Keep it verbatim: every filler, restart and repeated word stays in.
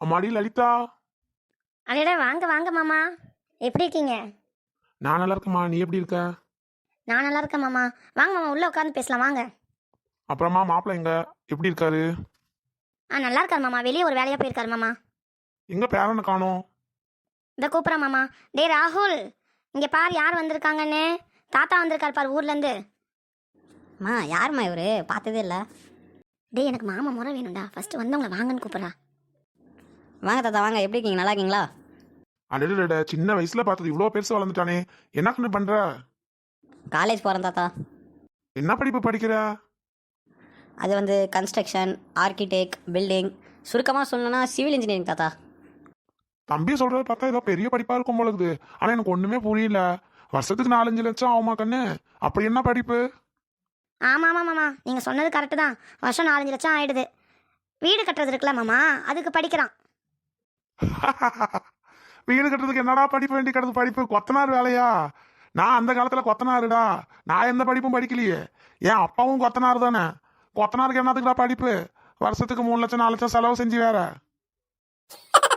அம்மாடி லலிதா. அடடா வாங்க வாங்க மாமா, எப்படி இருக்கீங்க? நான் நல்லா இருக்கேம்மா, நீ எப்படி இருக்க? நான் நல்லா இருக்கேன் மாமா. வாங்க மாமா, உள்ள உட்காந்து பேசலாம் வாங்க. அப்புறமா மாப்பிள்ளை எங்க, எப்படி இருக்காரு? ஆ நல்லா இருக்காரு மாமா, வெளியே ஒரு வேலையா போயிருக்காரு மாமா. எங்க பேரனை காணோம்? இந்த கூப்பிட்றேன் மாமா. டே ராகுல், இங்கே பார் யார் வந்திருக்காங்கன்னு. தாத்தா வந்திருக்காரு பார் ஊர்லேருந்து. மா யாரும்மா இவரு? பார்த்ததே இல்லை. டே எனக்கு மாமா முறை வேணும்டா, ஃபர்ஸ்ட் வந்தவங்களை வாங்கன்னு கூப்பிட்றா. வாங்க தாத்தா வாங்க, எப்படி இருக்கீங்க? நல்லா இருக்கீங்களா? அடடட, சின்ன வயசுல பார்த்தது இவ்வளோ பெருசு வளர்ந்துட்டானே, என்ன கண்ணு பண்ற? காலேஜ் போகிறேன் தாத்தா. என்ன படிப்பு படிக்கிற? அது வந்து கன்ஸ்ட்ரக்ஷன், ஆர்கிடெக்ட், பில்டிங், சுருக்கமாக சொல்லணும்னா சிவில் இன்ஜினியரிங் தாத்தா. தம்பி சொல்றத பார்த்தா ஏதோ பெரிய படிப்பா இருக்கும் போல இருக்குது. ஆனா எனக்கு ஒண்ணுமே புரியல. வருஷத்துக்கு நாலஞ்சு லட்சம் ஆகுமா கண்ணு? அப்படி என்ன படிப்பு? ஆமாம் ஆமாம் மாமா, நீங்கள் சொன்னது கரெக்டு தான். வருஷம் நாலஞ்சு லட்சம் ஆயிடுது. வீடு கட்டுறது இருக்குல்ல மாமா, அதுக்கு படிக்கிறான். வீடு கட்டுறதுக்கு என்னடா படிப்பு வேண்டி கிடது? படிப்பு கொத்தனார் வேலையா? நான் அந்த காலத்துல கொத்தனாருடா. நான் எந்த படிப்பும் படிக்கலையே. என் அப்பாவும் கொத்தனார் தானே. கொத்தனாருக்கு என்னத்துக்குடா படிப்பு? வருஷத்துக்கு மூணு லட்சம் நாலு லட்சம் செலவு செஞ்சு வேற